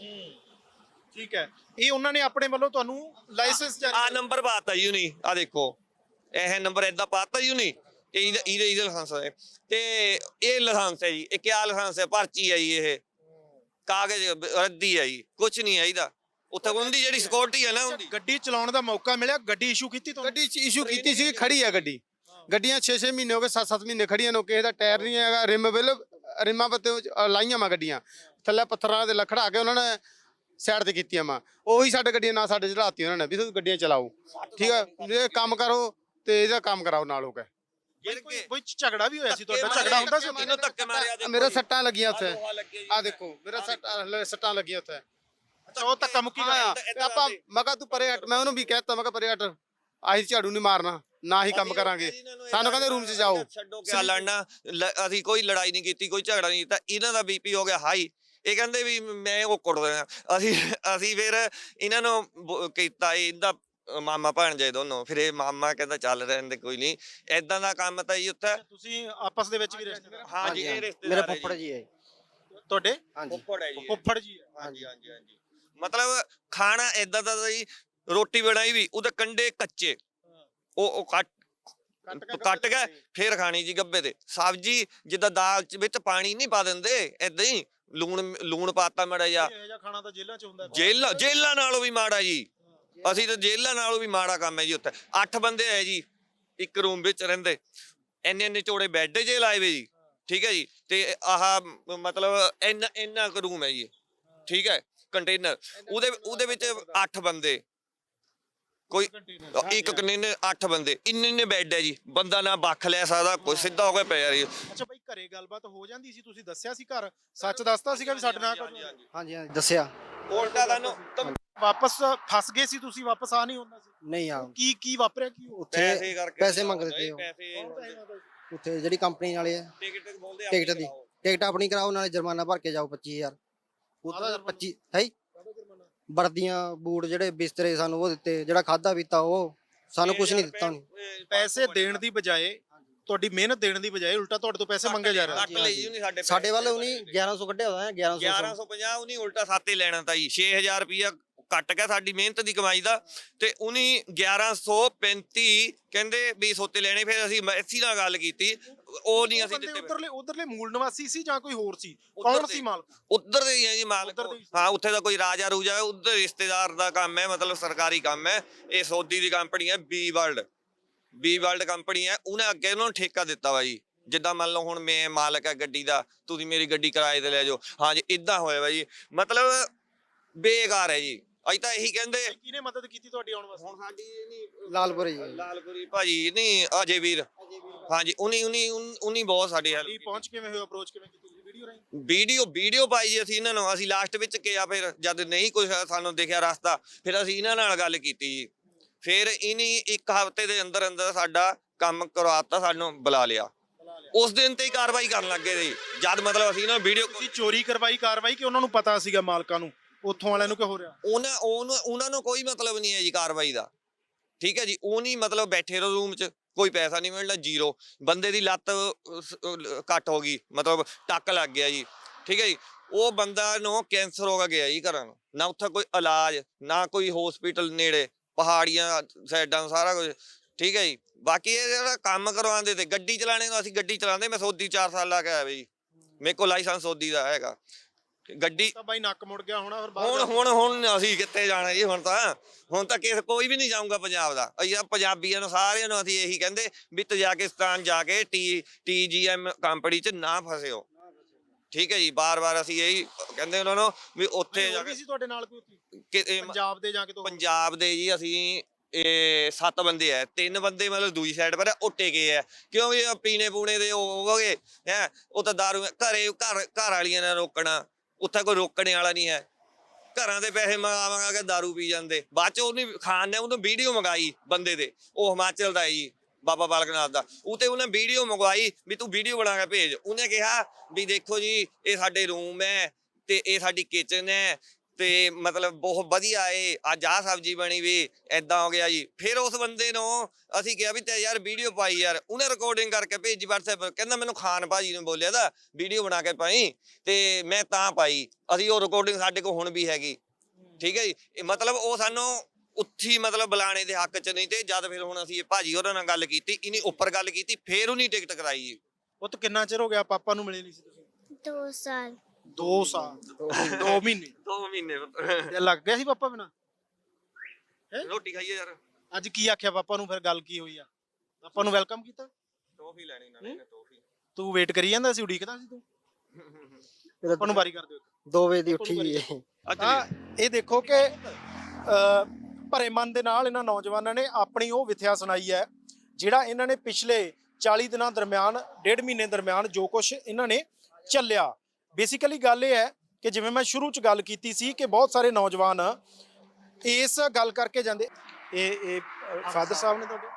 Speaker 1: ਠੀਕ ਹੈ। ਇਹ ਉਹਨਾਂ ਨੇ ਆਪਣੇ ਵੱਲੋਂ ਤੁਹਾਨੂੰ ਲਾਇਸੈਂਸ
Speaker 3: ਆ ਨੰਬਰ ਪਾਤਾ ਜੀ ਉਹਨੇ, ਆ ਦੇਖੋ ਇਹ ਨੰਬਰ ਏਦਾਂ ਪਾਤਾ ਜੀ ਉਹਨੇ, ਇਹਦੇ ਲਾਇਸੈਂਸ ਹੈ। ਤੇ ਇਹ ਲਾਇਸੈਂਸ ਹੈ ਜੀ, ਇਹ ਕਿਆ ਲਾਇਸੈਂਸ ਹੈ? ਪਰਚੀ ਹੈ ਜੀ, ਇਹ ਕਾਗਜ਼ ਰੱਦੀ ਹੈ ਜੀ, ਕੁਛ ਨਹੀਂ ਹੈ ਇਹਦਾ। ਉੱਥੇ ਉਹਦੀ ਜਿਹੜੀ ਸਿਕਿਉਰਿਟੀ ਹੈ ਨਾ, ਉਹਦੀ
Speaker 1: ਗੱਡੀ ਚਲਾਉਣ ਦਾ ਮੌਕਾ ਮਿਲਿਆ, ਗੱਡੀ ਇਸ਼ੂ ਕੀਤੀ ਤੁਹਾਨੂੰ?
Speaker 2: ਗੱਡੀ ਇਸ਼ੂ ਕੀਤੀ ਸੀ, ਖੜੀ ਆ ਗੱਡੀ। ਗੱਡੀਆਂ 6-6 ਮਹੀਨੇ ਹੋ ਗਏ, 7-7 ਮਹੀਨੇ ਖੜੀਆਂ ਨੇ, ਕਿਸੇ ਦਾ ਟਾਇਰ ਨਹੀਂ ਹੈਗਾ, ਰਿਮਾਂ ਪੱਤੇ ਲਾਈਆਂ ਵਾ ਗੱਡੀਆਂ, ਥੱਲੇ ਪੱਥਰਾਂ ਦੇ ਲਖੜਾ ਕੇ ਉਹਨਾਂ ਨੇ ਸਾਈਡ ਤੇ ਕੀਤੀਆਂ ਵਾ। ਉਹੀ ਸਾਡੇ ਗੱਡੀਆਂ ਨਾ ਸਾਡੇ ਚੜਾਤੀ ਉਹਨਾਂ ਨੇ ਵੀ ਤੁਸੀਂ ਗੱਡੀਆਂ ਚਲਾਓ, ਠੀਕ ਹੈ, ਇਹ ਕੰਮ ਕਰੋ ਤੇ ਇਹਦਾ ਕੰਮ ਕਰਾਓ ਨਾਲ ਹੋ ਕੇ।
Speaker 1: ਕੋਈ ਝਗੜਾ ਵੀ ਹੋਇਆ ਸੀ ਤੁਹਾਡਾ? ਝਗੜਾ ਹੁੰਦਾ ਸੀ?
Speaker 3: ਮੈਨੂੰ ਧੱਕੇ ਮਾਰਿਆ,
Speaker 2: ਮੇਰੇ ਸੱਟਾਂ ਲੱਗੀਆਂ ਉੱਥੇ, ਆ ਦੇਖੋ ਮੇਰਾ ਸੱਟਾਂ ਲੱਗੀਆਂ ਉੱਥੇ।
Speaker 1: ਅੱਛਾ, ਉਹ ਧੱਕਾ ਮੁੱਕੀ ਹੋਇਆ
Speaker 2: ਆਪਾਂ, ਮੈਂ ਕਿਹਾ ਤੂੰ ਪਰੇ ਹਟ, ਮੈਂ ਉਹਨੂੰ ਵੀ ਕਹਿਤਾ, ਮੈਂ ਕਿਹਾ ਪਰੇ ਹਟ, ਅਸੀਂ ਝਾੜੂ ਨਹੀਂ ਮਾਰਨਾ, ਨਾ ਹੀ ਕੰਮ ਕਰਾਂਗੇ। ਸਾਨੂੰ ਕਹਿੰਦੇ ਰੂਮ 'ਚ ਜਾਓ।
Speaker 3: ਛੱਡੋ ਕਿਆ ਲੜਨਾ, ਅਸੀਂ ਕੋਈ ਲੜਾਈ ਨਹੀਂ ਕੀਤੀ, ਕੋਈ ਝਗੜਾ ਨਹੀਂ ਕੀਤਾ। ਇਹਨਾਂ ਦਾ ਬੀਪੀ ਹੋ ਗਿਆ ਹਾਈ, ਇਹ ਕਹਿੰਦੇ ਵੀ ਮੈਂ ਉਹ ਕੁੱਟ ਦੇਣਾ। ਅਸੀਂ ਫਿਰ ਇਹਨਾਂ ਨੂੰ ਕੀਤਾ, ਇਹਦਾ ਮਾਮਾ ਭਾਣਜਾ ਦੋਨੋਂ। ਫਿਰ ਇਹ ਮਾਮਾ ਕਹਿੰਦਾ ਚੱਲ ਰਹਿੰਦੇ ਕੋਈ ਨਹੀਂ, ਏਦਾਂ ਦਾ ਕੰਮ ਤਾਂ ਜੀ ਉੱਥੇ।
Speaker 1: ਤੁਸੀਂ ਆਪਸ ਦੇ ਵਿੱਚ ਵੀ ਰਿਸ਼ਤੇਦਾਰ?
Speaker 3: ਹਾਂਜੀ, ਇਹ
Speaker 4: ਮੇਰੇ
Speaker 3: ਰਿਸ਼ਤੇਦਾਰ
Speaker 4: ਫੁੱਫੜ ਜੀ ਹੈ।
Speaker 1: ਤੁਹਾਡੇ
Speaker 4: ਹਾਂਜੀ,
Speaker 3: ਫੁੱਫੜ ਹੈ ਜੀ,
Speaker 1: ਫੁੱਫੜ ਜੀ?
Speaker 3: ਹਾਂਜੀ ਹਾਂਜੀ ਹਾਂਜੀ। ਮਤਲਬ ਖਾਣਾ ਏਦਾਂ ਦਾ ਜੀ, ਰੋਟੀ ਬਣਾਈ ਵੀ ਉਹਦੇ ਕੰਡੇ ਕੱਚੇ, ਉਹ ਕੱਟ ਕੇ ਫੇਰ ਖਾਣੀ ਜੀ ਗੱਬੇ ਤੇ। ਸਬਜ਼ੀ ਜਿੱਦਾਂ ਦਾਲ ਵਿੱਚ ਪਾਣੀ ਨਹੀਂ ਪਾ ਦਿੰਦੇ, ਏਦਾਂ ਹੀ ਲੂਣ ਪਾਤਾ ਮਾੜਾ ਜਿਹਾ।
Speaker 1: ਇਹ ਜਿਹਾ ਖਾਣਾ ਤਾਂ ਜੇਲ੍ਹਾਂ 'ਚ ਹੁੰਦਾ?
Speaker 3: ਜੇਲ੍ਹਾਂ ਨਾਲੋਂ ਵੀ ਮਾੜਾ ਜੀ, ਅਸੀਂ ਤਾਂ ਜੇਲ੍ਹਾਂ ਨਾਲੋਂ ਵੀ ਮਾੜਾ ਕੰਮ ਹੈ ਜੀ ਉੱਥੇ। 8 ਬੰਦੇ ਹੈ ਜੀ ਇੱਕ ਰੂਮ ਵਿੱਚ ਰਹਿੰਦੇ, ਇੰਨੇ ਚੌੜੇ ਬੈੱਡ ਜੇ ਲਾਏ ਵੇ ਜੀ, ਠੀਕ ਹੈ ਜੀ। ਤੇ ਆਹ ਮਤਲਬ ਇੰਨਾ ਕੁ ਰੂਮ ਹੈ ਜੀ, ਠੀਕ ਹੈ, ਕੰਟੇਨਰ। ਉਹਦੇ ਵਿੱਚ 8 ਬੰਦੇ, ਕੋਈ ਇੱਕ ਕੰਟੇਨਰ 8 ਬੰਦੇ, ਇੰਨੇ ਬੈੱਡ ਹੈ ਜੀ, ਬੰਦਾ ਨਾ ਬੱਖ ਲੈ ਸਕਦਾ, ਕੋਈ ਸਿੱਧਾ ਹੋ ਕੇ ਪਿਆ ਜੀ।
Speaker 1: ਅੱਛਾ ਬਾਈ, ਘਰੇ ਗੱਲਬਾਤ ਹੋ ਜਾਂਦੀ ਸੀ? ਤੁਸੀਂ ਦੱਸਿਆ ਸੀ ਘਰ, ਸੱਚ ਦੱਸਤਾ ਸੀਗਾ ਵੀ ਸਾਡੇ ਨਾਲ?
Speaker 4: ਹਾਂਜੀ ਦੱਸਿਆ।
Speaker 3: ਉਲਟਾ ਤੁਹਾਨੂੰ
Speaker 1: ਵਾਪਸ ਫਸ ਗਏ ਸੀ ਤੁਸੀਂ? ਵਾਪਸ ਆ ਨਹੀਂ ਹੁੰਦਾ ਸੀ?
Speaker 4: ਨਹੀਂ ਆ,
Speaker 1: ਕੀ ਵਾਪਰਿਆ? ਕੀ
Speaker 4: ਉੱਥੇ ਪੈਸੇ ਮੰਗਦੇ ਤੇ ਉਹ, ਉੱਥੇ ਜਿਹੜੀ ਕੰਪਨੀ ਵਾਲੇ ਆ, ਟਿਕਟ ਦੀ ਟਿਕਟ ਆਪਣੀ ਕਰਾਓ, ਨਾਲੇ ਜੁਰਮਾਨਾ ਭਰ ਕੇ ਜਾਓ 25,000। ਉਹਦਾ 25 ਹੈ, ਵਰਦੀਆਂ ਬੂਟ ਜਿਹੜੇ ਬਿਸਤਰੇ ਸਾਨੂੰ ਉਹ ਦਿੱਤੇ, ਜਿਹੜਾ ਖਾਦਾ ਪੀਤਾ ਉਹ ਸਾਨੂੰ ਕੁਝ ਨਹੀਂ ਦਿੱਤਾ ਉਹਨੇ।
Speaker 1: ਪੈਸੇ ਦੇਣ ਦੀ ਬਜਾਏ, ਤੁਹਾਡੀ ਮਿਹਨਤ ਦੇਣ ਦੀ ਬਜਾਏ ਉਲਟਾ ਤੁਹਾਡੇ ਤੋਂ ਪੈਸੇ ਮੰਗੇ ਜਾ ਰਹੇ
Speaker 3: ਕੱਟ ਲਈ ਜੀ ਉਹਨੇ ਸਾਡੇ
Speaker 4: ਸਾਡੇ ਵੱਲ ਉਹਨੇ 1100 ਕੱਢਿਆ ਹੋਇਆ 1100
Speaker 3: 1150 ਉਹਨੇ ਉਲਟਾ ਸਾਤੇ ਲੈਣਾ ਤਾਂ ਜੀ 6000 ਰੁਪਇਆ ਕੱਟ ਗਿਆ ਸਾਡੀ ਮਿਹਨਤ ਦੀ ਕਮਾਈ ਦਾ, ਤੇ ਉਹਨੇ 1135 ਕਹਿੰਦੇ ਵੀ ਸੋਤੇ ਲੈਣੇ। ਫਿਰ ਅਸੀਂ ਮੈਸੀ ਨਾਲ ਗੱਲ ਕੀਤੀ, ਉਹ ਨਹੀਂ ਅਸੀਂ ਦਿੱਤੇ।
Speaker 1: ਉਧਰਲੇ ਮੂਲ ਨਿਵਾਸੀ ਸੀ ਜਾਂ ਕੋਈ ਹੋਰ ਸੀ?
Speaker 3: ਉੱਧਰ
Speaker 1: ਕੌਣ
Speaker 3: ਦੇ-
Speaker 1: ਸੀ ਮਾਲਕ?
Speaker 3: ਉੱਧਰ ਦੇ ਹੀ ਹੈ ਜੀ ਮਾਲਕ।
Speaker 1: ਉੱਧਰ ਦੇ ਹੀ।
Speaker 3: ਹਾਂ, ਉੱਥੇ ਦਾ ਕੋਈ ਰਾਜਾ ਰੂਜਾ ਹੈ, ਉੱਧਰ ਰਿਸ਼ਤੇਦਾਰ ਦਾ ਕੰਮ ਹੈ, ਮਤਲਬ ਸਰਕਾਰੀ ਕੰਮ ਹੈ। ਇਹ ਸੌਦੀ ਦੀ ਕੰਪਨੀ ਹੈ ਬੀ ਵਰਲਡ ਕੰਪਨੀ ਹੈ। ਉਹਨੇ ਅੱਗੇ ਉਹਨਾਂ ਨੂੰ ਠੇਕਾ ਦਿੱਤਾ ਵਾ ਜੀ। ਜਿੱਦਾਂ ਮੰਨ ਲਓ ਹੁਣ ਮੈਂ ਮਾਲਕ ਹੈ ਗੱਡੀ ਦਾ, ਤੁਸੀਂ ਮੇਰੀ ਗੱਡੀ ਕਿਰਾਏ ਤੇ ਲੈ ਜਾਓ। ਹਾਂ ਜੀ, ਇਦਾਂ ਹੋਇਆ ਵਾ ਜੀ, ਮਤਲਬ ਬੇਕਾਰ ਹੈ ਜੀ। ਅਸੀਂ ਤਾਂ ਇਹੀ ਕਹਿੰਦੇ।
Speaker 1: ਕਿਹਨੇ ਮਦਦ ਕੀਤੀ ਤੁਹਾਡੀ ਆਉਣ ਵਾਸਤੇ?
Speaker 3: ਹੁਣ ਸਾਡੀ ਨਹੀਂ
Speaker 4: ਲਾਲਪੁਰੀ
Speaker 3: ਲਾਲਪੁਰੀ ਭਾਜੀ ਨਹੀਂ, ਅਜੇ ਵੀਰ। ਹਾਂਜੀ, ਉਨੀ ਬਹੁਤ ਸਾਡੀ ਹੈਲਪ।
Speaker 1: ਪਹੁੰਚ ਕਿਵੇਂ ਹੋਇਆ, ਅਪਰੋਚ ਕਿਵੇਂ ਕੀਤੀ ਤੁਸੀਂ? ਵੀਡੀਓ ਰਾਹੀਂ?
Speaker 3: ਵੀਡੀਓ ਪਾਈ ਜੀ ਅਸੀਂ ਇਹਨਾਂ ਨੂੰ। ਅਸੀਂ ਲਾਸਟ ਵਿੱਚ ਕਿਹਾ, ਫਿਰ ਜਦ ਨਹੀਂ ਕੁਝ ਸਾਨੂੰ ਦਿਖਿਆ ਰਸਤਾ, ਫਿਰ ਅਸੀਂ ਇਹਨਾਂ ਨਾਲ ਗੱਲ ਕੀਤੀ ਜੀ। ਫਿਰ ਇਨੀ ਇੱਕ ਹਫ਼ਤੇ ਦੇ ਅੰਦਰ ਅੰਦਰ ਸਾਡਾ ਕੰਮ ਕਰਵਾਤਾ, ਸਾਨੂੰ ਬੁਲਾ ਲਿਆ। ਉਸ ਦਿਨ ਤੇ ਹੀ ਕਾਰਵਾਈ ਕਰਨ ਲੱਗੇ ਜੀ, ਜਦ ਮਤਲਬ ਅਸੀਂ ਇਹਨਾਂ ਵੀਡੀਓ
Speaker 1: ਤੁਸੀਂ ਚੋਰੀ ਕਰਵਾਈ ਕਾਰਵਾਈ ਕਿ ਉਹਨਾਂ ਨੂੰ ਪਤਾ ਸੀਗਾ ਮਾਲਕਾਂ ਨੂੰ, ਉੱਥੋਂ ਵਾਲਿਆਂ ਨੂੰ ਕਿ ਹੋ ਰਿਹਾ?
Speaker 3: ਉਹਨਾਂ ਨੂੰ ਕੋਈ ਮਤਲਬ ਨਹੀਂ ਹੈ ਜੀ ਕਾਰਵਾਈ ਦਾ। ਠੀਕ ਹੈ ਜੀ, ਉਹ ਨਹੀਂ ਮਤਲਬ ਬੈਠੇ ਰਹੋ ਰੂਮ 'ਚ, ਕੋਈ ਪੈਸਾ ਨਹੀਂ ਮਿਲਣਾ, ਜ਼ੀਰੋ। ਬੰਦੇ ਦੀ ਲੱਤ ਕੱਟ ਹੋ ਗਈ, ਮਤਲਬ ਟੱਕ ਲੱਗ ਗਿਆ ਜੀ। ਠੀਕ ਹੈ ਜੀ, ਉਹ ਬੰਦਾ ਨੂੰ ਕੈਂਸਰ ਹੋ ਗਿਆ ਜੀ ਘਰਾਂ ਨੂੰ, ਨਾ ਉੱਥੇ ਕੋਈ ਇਲਾਜ, ਨਾ ਕੋਈ ਹਸਪੀਟਲ ਨੇੜੇ, ਪਹਾੜੀਆਂ ਸਾਈਡਾਂ ਸਾਰਾ ਕੁਝ। ਠੀਕ ਹੈ ਜੀ, ਬਾਕੀ ਇਹ ਜਿਹੜਾ ਕੰਮ ਕਰਵਾਉਂਦੇ ਤੇ ਗੱਡੀ ਚਲਾਣੇ ਨੂੰ, ਅਸੀਂ ਗੱਡੀ ਚਲਾਉਂਦੇ, ਮੈਂ ਸੋਦੀ 4 ਸਾਲ ਲਾ ਕੇ ਆਇਆ ਬਈ, ਮੇਰੇ ਕੋਲ ਲਾਇਸੈਂਸ ਸੋਦੀ ਦਾ ਹੈਗਾ। ਗੱਡੀ
Speaker 1: ਤਾਂ ਬਾਈ ਨੱਕ ਮੁੜ ਗਿਆ ਹੋਣਾ ਫਿਰ
Speaker 3: ਹੁਣ ਅਸੀਂ ਕਿੱਥੇ ਜਾਣਾ ਜੀ? ਹੁਣ ਤਾਂ ਕੋਈ ਵੀ ਨਹੀਂ ਜਾਊਗਾ ਪੰਜਾਬ ਦਾ। ਅਸੀਂ ਪੰਜਾਬੀਆਂ ਨੂੰ ਸਾਰਿਆਂ ਨੂੰ ਅਸੀਂ ਇਹੀ ਕਹਿੰਦੇ ਵੀ ਤਜਾਕਿਸਤਾਨ ਜਾ ਕੇ TGM ਕੰਪਨੀ 'ਚ ਨਾ ਫਸਿਓ। ਠੀਕ ਹੈ ਜੀ, ਬਾਰ-ਬਾਰ ਅਸੀਂ ਇਹੀ ਕਹਿੰਦੇ ਉਹਨਾਂ ਨੂੰ ਵੀ ਉੱਥੇ ਜਾ ਕੇ।
Speaker 1: ਸੀ ਤੁਹਾਡੇ ਨਾਲ ਕੋਈ
Speaker 3: ਪੰਜਾਬ
Speaker 1: ਪੰਜਾਬ ਦੇ ਜਾਂ ਕਿਤੋਂ?
Speaker 3: ਪੰਜਾਬ ਦੇ ਜੀ ਅਸੀਂ 7 ਬੰਦੇ ਆ, 3 ਬੰਦੇ ਮਤਲਬ ਦੂਜੀ ਸਾਈਡ ਪਰ ਉਹ ਟਿਕੇ ਆ, ਕਿਉਂਕਿ ਪੀਣੇ ਪੂਣੇ ਦੇ ਉਹ ਹੋ ਗਏ ਹੈ। ਉਹ ਤਾਂ ਦਾਰੂ ਘਰ ਵਾਲੀਆਂ ਨੇ ਰੋਕਣਾ, ਉੱਥੇ ਕੋਈ ਰੋਕਣੇ ਵਾਲਾ ਨਹੀਂ ਹੈ। ਘਰਾਂ ਦੇ ਪੈਸੇ ਮੰਗਾ ਕੇ ਦਾਰੂ ਪੀ ਜਾਂਦੇ। ਬਾਅਦ ਚ ਉਹਨੇ ਖਾਨ ਨੇ ਉਹਨੂੰ ਵੀਡੀਓ ਮੰਗਾਈ ਬੰਦੇ ਦੇ, ਉਹ ਹਿਮਾਚਲ ਦਾ ਜੀ, ਬਾਬਾ ਬਾਲਕ ਨਾਥ ਦਾ। ਉਤੇ ਉਹਨੇ ਵੀਡੀਓ ਮੰਗਵਾਈ ਵੀ ਤੂੰ ਵੀਡੀਓ ਬਣਾ ਕੇ ਭੇਜ। ਉਹਨੇ ਕਿਹਾ ਵੀ ਦੇਖੋ ਜੀ, ਇਹ ਸਾਡੇ ਰੂਮ ਹੈ ਤੇ ਇਹ ਸਾਡੀ ਕਿਚਨ ਹੈ ਤੇ ਮਤਲਬ ਬਹੁਤ ਵਧੀਆ ਏ, ਅੱਜ ਆਹ ਸਬਜ਼ੀ ਬਣੀ ਵੀ, ਏਦਾਂ ਹੋ ਗਿਆ ਜੀ। ਫਿਰ ਉਸ ਬੰਦੇ ਨੂੰ ਅਸੀਂ ਕਿਹਾ ਵੀ ਤੇ ਯਾਰ ਵੀਡੀਓ ਪਾਈ ਯਾਰ। ਉਹਨੇ ਰਿਕਾਰਡਿੰਗ ਕਰਕੇ ਭੇਜੀ WhatsApp, ਕਹਿੰਦਾ ਮੈਨੂੰ ਖਾਨ ਭਾਜੀ ਨੇ ਬੋਲਿਆ ਦਾ ਵੀਡੀਓ ਬਣਾ ਕੇ ਪਾਈ, ਤੇ ਮੈਂ ਤਾਂ ਪਾਈ। ਅਸੀਂ ਉਹ ਰਿਕਾਰਡਿੰਗ ਸਾਡੇ ਕੋਲ ਹੁਣ ਵੀ ਹੈਗੀ। ਠੀਕ ਹੈ ਜੀ, ਮਤਲਬ ਉਹ ਸਾਨੂੰ ਉੱਥੀ ਮਤਲਬ ਬੁਲਾਣੇ ਦੇ ਹੱਕ 'ਚ ਨਹੀਂ ਤੇ। ਜਦ ਫਿਰ ਹੁਣ ਅਸੀਂ ਭਾਜੀ ਉਹਨਾਂ ਨਾਲ ਗੱਲ ਕੀਤੀ, ਇਹਨੇ ਉੱਪਰ ਗੱਲ ਕੀਤੀ, ਫਿਰ ਉਹਨੇ ਟਿਕਟ ਕਰਾਈ ਜੀ।
Speaker 1: ਉਹ ਤਾਂ ਕਿੰਨਾ ਚਿਰ ਹੋ ਗਿਆ ਪਾਪਾ ਨੂੰ ਮਿਲੇ ਨਹੀਂ ਸੀ ਤੁਸੀਂ?
Speaker 6: 2 ਸਾਲ
Speaker 1: 2 ਸਾਲ 2 ਮਹੀਨੇ
Speaker 3: 2 ਮਹੀਨੇ
Speaker 1: ਤੇ ਲੱਗ ਗਿਆ ਸੀ ਪਾਪਾ ਬਿਨਾ?
Speaker 3: ਰੋਟੀ ਖਾਈਏ ਯਾਰ।
Speaker 1: ਅੱਜ ਕੀ ਆਖਿਆ ਪਾਪਾ ਨੂੰ? ਫਿਰ ਗੱਲ ਕੀ ਹੋਈ ਆ? ਪਾਪਾ ਨੂੰ ਵੈਲਕਮ ਕੀਤਾ?
Speaker 3: ਟੋਫੀ ਲੈਣੀ ਨਾਲ ਇਹਨੇ, ਟੋਫੀ।
Speaker 1: ਤੂੰ ਵੇਟ ਕਰੀ ਜਾਂਦਾ ਸੀ, ਉਡੀਕਦਾ ਸੀ ਤੂੰ? ਪਾਪਾ ਨੂੰ ਵਾਰੀ ਕਰ ਦਿਓ।
Speaker 4: 2 ਵਜੇ ਦੀ ਉੱਠੀ ਹੈ।
Speaker 1: ਤਾਂ ਇਹ ਦੇਖੋ ਕਿ ਭਰੇ ਮਨ ਦੇ ਨਾਲ ਇਹਨਾਂ ਨੌਜਵਾਨਾਂ ਨੇ ਆਪਣੀ ਉਹ ਵਿਥਿਆ ਸੁਣਾਈ ਹੈ, ਜਿਹੜਾ ਇਹਨਾਂ ਨੇ ਪਿਛਲੇ 40 ਦਿਨਾਂ ਦਰਮਿਆਨ, 1.5 ਮਹੀਨੇ ਦਰਮਿਆਨ ਜੋ ਕੁਝ ਇਹਨਾਂ ਨੇ ਚੱਲਿਆ। ਬੇਸਿਕਲੀ ਗੱਲ ਇਹ ਹੈ ਕਿ ਜਿਵੇਂ ਮੈਂ ਸ਼ੁਰੂ 'ਚ ਗੱਲ ਕੀਤੀ ਸੀ ਕਿ ਬਹੁਤ ਸਾਰੇ ਨੌਜਵਾਨ ਇਸ ਗੱਲ ਕਰਕੇ ਜਾਂਦੇ। ਇਹ ਫਾਦਰ ਸਾਹਿਬ ਨੇ ਤੁਹਾਡੇ?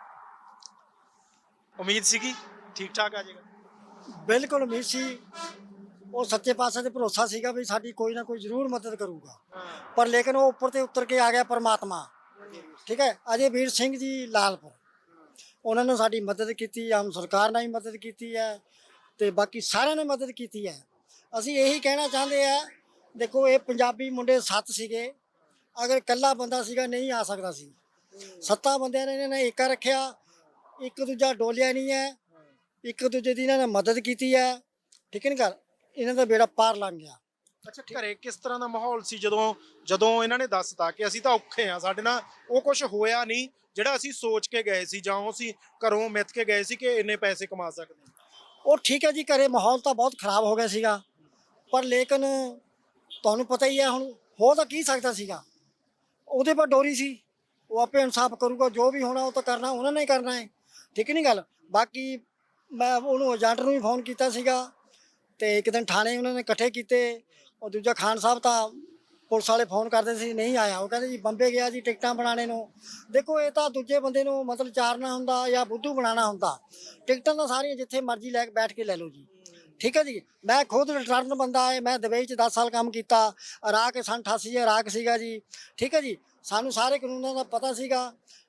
Speaker 1: ਉਮੀਦ ਸੀਗੀ ਠੀਕ ਠਾਕ ਆ ਜਾਏਗਾ?
Speaker 5: ਬਿਲਕੁਲ ਉਮੀਦ ਸੀ। ਉਹ ਸੱਚੇ ਪਾਤਸ਼ਾਹ ਤੇ ਭਰੋਸਾ ਸੀਗਾ ਵੀ ਸਾਡੀ ਕੋਈ ਨਾ ਕੋਈ ਜ਼ਰੂਰ ਮਦਦ ਕਰੂਗਾ, ਪਰ ਲੇਕਿਨ ਉਹ ਉੱਪਰ ਤੇ ਉਤਰ ਕੇ ਆ ਗਿਆ ਪਰਮਾਤਮਾ। ਠੀਕ ਹੈ, ਅਜੇ ਵੀਰ ਸਿੰਘ ਜੀ ਲਾਲਪੁਰ, ਉਹਨਾਂ ਨੇ ਸਾਡੀ ਮਦਦ ਕੀਤੀ, ਆਮ ਸਰਕਾਰ ਨੇ ਵੀ ਮਦਦ ਕੀਤੀ ਹੈ ਤੇ ਬਾਕੀ ਸਾਰਿਆਂ ਨੇ ਮਦਦ ਕੀਤੀ ਹੈ। ਅਸੀਂ ਇਹੀ ਕਹਿਣਾ ਚਾਹੁੰਦੇ ਆ, ਦੇਖੋ ਇਹ ਪੰਜਾਬੀ ਮੁੰਡੇ 7 ਸੀਗੇ, ਅਗਰ ਇਕੱਲਾ ਬੰਦਾ ਸੀਗਾ ਨਹੀਂ ਆ ਸਕਦਾ ਸੀ। 7 ਬੰਦਿਆਂ ਨੇ ਇਹਨਾਂ ਨੇ ਏਕਾ ਰੱਖਿਆ, ਇੱਕ ਦੂਜਾ ਡੋਲਿਆ ਨਹੀਂ ਹੈ, ਇੱਕ ਦੂਜੇ ਦੀ ਇਹਨਾਂ ਨੇ ਮਦਦ ਕੀਤੀ ਹੈ। ਠੀਕ ਹੈ ਨਾ ਗੱਲ, ਇਹਨਾਂ ਦਾ ਬੇੜਾ ਪਾਰ ਲੰਘ ਗਿਆ।
Speaker 1: ਅੱਛਾ, ਘਰੇ ਕਿਸ ਤਰ੍ਹਾਂ ਦਾ ਮਾਹੌਲ ਸੀ ਜਦੋਂ ਇਹਨਾਂ ਨੇ ਦੱਸਤਾ ਕਿ ਅਸੀਂ ਤਾਂ ਔਖੇ ਆ, ਸਾਡੇ ਨਾਲ ਉਹ ਕੁਝ ਹੋਇਆ ਨਹੀਂ ਜਿਹੜਾ ਅਸੀਂ ਸੋਚ ਕੇ ਗਏ ਸੀ ਜਾਂ ਅਸੀਂ ਘਰੋਂ ਮਿੱਥ ਕੇ ਗਏ ਸੀ ਕਿ ਇੰਨੇ ਪੈਸੇ ਕਮਾ ਸਕਦੇ ਹਾਂ?
Speaker 5: ਉਹ ਠੀਕ ਹੈ ਜੀ, ਘਰੇ ਮਾਹੌਲ ਤਾਂ ਬਹੁਤ ਖਰਾਬ ਹੋ ਗਿਆ ਸੀਗਾ, ਪਰ ਲੇਕਿਨ ਤੁਹਾਨੂੰ ਪਤਾ ਹੀ ਹੈ ਹੁਣ ਹੋ ਤਾਂ ਕੀ ਸਕਦਾ ਸੀਗਾ। ਉਹਦੇ ਪਰ ਡੋਰੀ ਸੀ, ਉਹ ਆਪੇ ਇਨਸਾਫ ਕਰੂਗਾ, ਜੋ ਵੀ ਹੋਣਾ ਉਹ ਤਾਂ ਕਰਨਾ ਉਹਨਾਂ ਨੇ ਹੀ ਕਰਨਾ ਹੈ। ਠੀਕ ਨਹੀਂ ਗੱਲ? ਬਾਕੀ ਮੈਂ ਉਹਨੂੰ ਏਜੰਟ ਨੂੰ ਵੀ ਫੋਨ ਕੀਤਾ ਸੀਗਾ ਤੇ ਇੱਕ ਦਿਨ ਥਾਣੇ ਉਹਨਾਂ ਨੇ ਇਕੱਠੇ ਕੀਤੇ। ਉਹ ਦੂਜਾ ਖਾਨ ਸਾਹਿਬ ਤਾਂ ਪੁਲਿਸ ਵਾਲੇ ਫੋਨ ਕਰਦੇ ਸੀ, ਨਹੀਂ ਆਇਆ। ਉਹ ਕਹਿੰਦੇ ਜੀ ਬੰਬੇ ਗਿਆ ਜੀ ਟਿਕਟਾਂ ਬਣਾਉਣੇ ਨੂੰ। ਦੇਖੋ ਇਹ ਤਾਂ ਦੂਜੇ ਬੰਦੇ ਨੂੰ ਮਤਲਬ ਚਾਰਨਾ ਹੁੰਦਾ ਜਾਂ ਬੁੱਧੂ ਬਣਾਉਣਾ ਹੁੰਦਾ। ਟਿਕਟਾਂ ਤਾਂ ਸਾਰੀਆਂ ਜਿੱਥੇ ਮਰਜ਼ੀ ਲੈ ਕੇ ਬੈਠ ਕੇ ਲੈ ਲਓ ਜੀ। ਠੀਕ ਹੈ ਜੀ, ਮੈਂ ਖੁਦ ਰਿਟਰਨ ਬੰਦਾ ਹੈ, ਮੈਂ ਦੁਬਈ 'ਚ 10 ਸਾਲ ਕੰਮ ਕੀਤਾ, ਇਰਾਕ 88 ਇਰਾਕ ਸੀਗਾ ਜੀ। ਠੀਕ ਹੈ ਜੀ, ਸਾਨੂੰ ਸਾਰੇ ਕਾਨੂੰਨਾਂ ਦਾ ਪਤਾ ਸੀਗਾ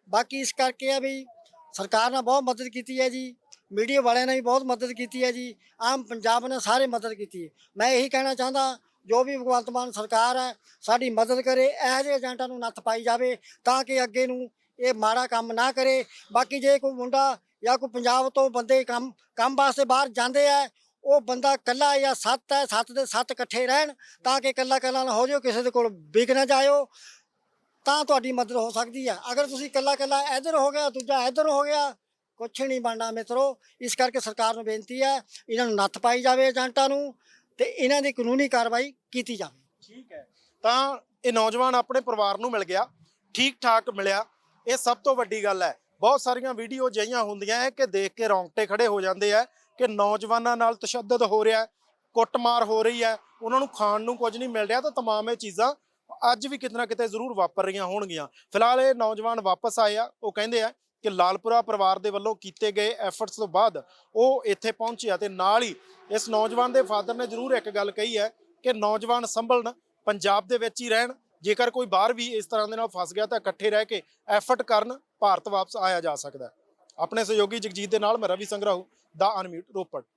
Speaker 5: ਬਾਕੀ ਇਸ ਕਰਕੇ ਆ ਵੀ ਸਰਕਾਰ ਨੇ ਬਹੁਤ ਮਦਦ ਕੀਤੀ ਹੈ ਜੀ, ਮੀਡੀਆ ਵਾਲਿਆਂ ਨੇ ਵੀ ਬਹੁਤ ਮਦਦ ਕੀਤੀ ਹੈ ਜੀ, ਆਮ ਪੰਜਾਬ ਨੇ ਸਾਰੇ ਮਦਦ ਕੀਤੀ ਹੈ। ਮੈਂ ਇਹੀ ਕਹਿਣਾ ਚਾਹੁੰਦਾ ਜੋ ਵੀ ਭਗਵੰਤ ਮਾਨ ਸਰਕਾਰ ਹੈ ਸਾਡੀ ਮਦਦ ਕਰੇ, ਇਹੋ ਜਿਹੇ ਏਜੰਟਾਂ ਨੂੰ ਨੱਥ ਪਾਈ ਜਾਵੇ ਤਾਂ ਕਿ ਅੱਗੇ ਨੂੰ ਇਹ ਮਾੜਾ ਕੰਮ ਨਾ ਕਰੇ। ਬਾਕੀ ਜੇ ਕੋਈ ਮੁੰਡਾ ਜਾਂ ਕੋਈ ਪੰਜਾਬ ਤੋਂ ਬੰਦੇ ਕੰਮ ਵਾਸਤੇ ਬਾਹਰ ਜਾਂਦੇ ਆ, ਉਹ ਬੰਦਾ ਇਕੱਲਾ ਜਾਂ 7 ਹੈ, 7 ਦੇ 7 ਇਕੱਠੇ ਰਹਿਣ ਤਾਂ ਕਿ ਇਕੱਲਾ ਨਾ ਹੋ ਜਾਓ, ਕਿਸੇ ਦੇ ਕੋਲ ਵਿਕ ਨਾ ਜਾਇਓ, ਤਾਂ ਤੁਹਾਡੀ ਮਦਦ ਹੋ ਸਕਦੀ ਹੈ। ਅਗਰ ਤੁਸੀਂ ਇਕੱਲਾ ਇੱਧਰ ਹੋ ਗਿਆ, ਦੂਜਾ ਇੱਧਰ ਹੋ ਗਿਆ, ਕੁਛ ਨਹੀਂ ਬਣਨਾ ਮਿੱਤਰੋ। ਇਸ ਕਰਕੇ ਸਰਕਾਰ ਨੂੰ ਬੇਨਤੀ ਹੈ ਇਹਨਾਂ ਨੂੰ ਨੱਥ ਪਾਈ ਜਾਵੇ ਏਜੰਟਾਂ ਨੂੰ ਤੇ ਇਹਨਾਂ ਦੀ ਕਾਨੂੰਨੀ ਕਾਰਵਾਈ ਕੀਤੀ ਜਾਵੇ।
Speaker 1: ਠੀਕ ਹੈ, ਤਾਂ ਇਹ ਨੌਜਵਾਨ ਆਪਣੇ ਪਰਿਵਾਰ ਨੂੰ ਮਿਲ ਗਿਆ, ਠੀਕ ਠਾਕ ਮਿਲਿਆ, ਇਹ ਸਭ ਤੋਂ ਵੱਡੀ ਗੱਲ ਹੈ। ਬਹੁਤ ਸਾਰੀਆਂ ਵੀਡੀਓ ਅਜਿਹੀਆਂ ਹੁੰਦੀਆਂ ਹੈ ਕਿ ਦੇਖ ਕੇ ਰੌਂਗਟੇ ਖੜੇ ਹੋ ਜਾਂਦੇ ਆ ਕਿ ਨੌਜਵਾਨਾਂ ਨਾਲ ਤਸ਼ੱਦਦ ਹੋ ਰਿਹਾ, ਕੁੱਟਮਾਰ ਹੋ ਰਹੀ ਹੈ, ਉਹਨਾਂ ਨੂੰ ਖਾਣ ਨੂੰ ਕੁਝ ਨਹੀਂ ਮਿਲ ਰਿਹਾ। ਤਾਂ ਤਮਾਮ ਇਹ ਚੀਜ਼ਾਂ ਅੱਜ ਵੀ ਕਿਤੇ ਨਾ ਕਿਤੇ ਜ਼ਰੂਰ ਵਾਪਰ ਰਹੀਆਂ ਹੋਣਗੀਆਂ। ਫਿਲਹਾਲ ਇਹ ਨੌਜਵਾਨ ਵਾਪਸ ਆਏ ਆ, ਉਹ ਕਹਿੰਦੇ ਆ ਕਿ ਲਾਲਪੁਰਾ ਪਰਿਵਾਰ ਦੇ ਵੱਲੋਂ ਕੀਤੇ ਗਏ ਐਫਰਟਸ ਤੋਂ ਬਾਅਦ ਉਹ ਇੱਥੇ ਪਹੁੰਚਿਆ ਤੇ ਨਾਲ ਹੀ ਇਸ ਨੌਜਵਾਨ ਦੇ ਫਾਦਰ ਨੇ ਜ਼ਰੂਰ ਇੱਕ ਗੱਲ ਕਹੀ ਹੈ ਕਿ ਨੌਜਵਾਨ ਸੰਭਲਣ, ਪੰਜਾਬ ਦੇ ਵਿੱਚ ਹੀ ਰਹਿਣ, ਜੇਕਰ ਕੋਈ ਬਾਹਰ ਵੀ ਇਸ ਤਰ੍ਹਾਂ ਦੇ ਨਾਲ ਫਸ ਗਿਆ ਤਾਂ ਇਕੱਠੇ ਰਹਿ ਕੇ ਐਫਰਟ ਕਰਨ, ਭਾਰਤ ਵਾਪਸ ਆਇਆ ਜਾ ਸਕਦਾ ਹੈ। ਆਪਣੇ ਸਹਿਯੋਗੀ ਜਗਜੀਤ ਦੇ ਨਾਲ ਮੈਂ ਰਵੀ ਸੰਗਰਾਹੂ, ਦਾ ਅਨਮਿਊਟ ਰੋਪੜ।